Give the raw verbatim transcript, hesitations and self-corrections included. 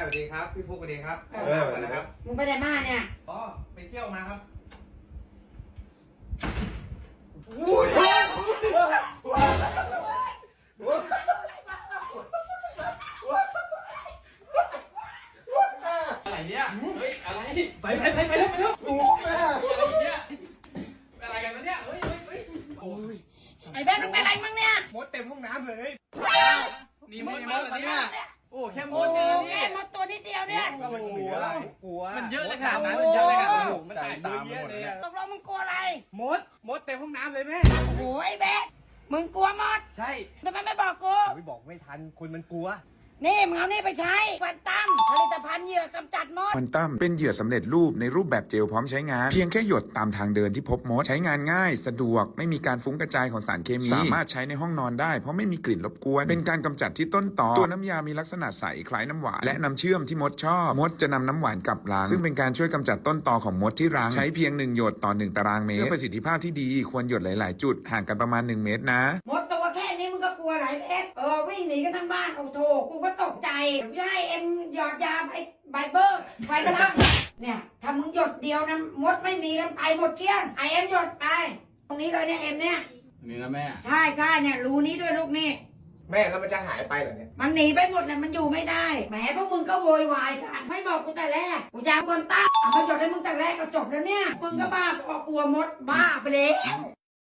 สวัสดีครับพี่ฟุกสวัสดีครับเออกันนะครับมึงไปไหนมาเนี่ยอ๋อไปเที่ยวมาครับอะไรเนี่ยเฮ้ยอะไรไปไปไปไปแล้วไปแล้วโอ้ยอะไรเนี่ยอะไรกันวะเนี่ยเฮ้ยเฮ้ยเฮ้ยโอ้ยไอ้แบ๊กมึงเป็นอะไรมึงเนี่ยมดเต็มห้องน้ำเลย นี่มมึดงมดเหรอเนี่ยโอ้แค่มโอ้ดโหเนี่ยนะแค่พี่มดตัวนิดเดียวเนี่ยก็มันกลัวกลัวมันเยอะเลยขนาดนั้นมันเยอะเลยขนาดนั้นมันตายตามเยอะเลยอะตกลงมึงกลัวอะไรมดมดเต็มห้องน้ำเลยแม่โอ้โหไอ้แบ๊กมึงกลัวมดใช่ทำไมไม่บอกกูไม่บอกไม่ทันคนมันกลัวนี่มึงเอานี่ไปใช้ควันตั้มผลิตภัณฑ์เหยื่อกำจัดมดควอนตัมเป็นเหยื่อสำเร็จรูปในรูปแบบเจลพร้อมใช้งาน เพียงแค่หยดตามทางเดินที่พบมด ใช้งานง่าย สะดวกไม่มีการฟุ้งกระจายของสารเคมี สามารถใช้ในห้องนอนได้เพราะไม่มีกลิ่นรบกวน เป็นการกำจัดที่ต้นตอตัวน้ำยามีลักษณะใสคล้ายน้ำหวานและน้ำเชื่อมที่มดชอบมดจะนำน้ำหวานกลับรังซึ่งเป็นการช่วยกำจัดต้นตอของมดที่รังใช้เพียงหนึ่งหยดต่อหนึ่งตารางเมตรเพื่อประสิทธิภาพที่ดีควรหยดหลาย ๆ จุดห่างกันประมาณหนึ่งเมตรนะมดตัวแค่นี้มึงก็กลัวหลายเพชรเออวิ่งหนีกันทั้งบ้านโอ้โถกูก็ตกใจกูจะให้เอ็มหยอดยาไบไบเบอร์ไบกระลังเนี่ยถ้ามึงหยดเดียวนะมดไม่มีแล้วไปหมดเกลี้ยงไอเอ็มหยดไปตรงนี้เลยเนี่ยเอ็มเนี่ยนี่นะแม่ใช่ใช่เนี่ยรูนี้ด้วยลูกนี่แม่แล้วมันจะหายไปเหรอเนี่ยมันหนีไปหมดเลยมันอยู่ไม่ได้แหมพวกมึงก็โวยวายกันไม่บอกกูแต่แรกกูจะเอาคนตั้งเอามาหยดให้มึงแต่แรกก็จบแล้วเนี่ยมึงก็บ้าพอกลัวมดบ้าไปแล้ว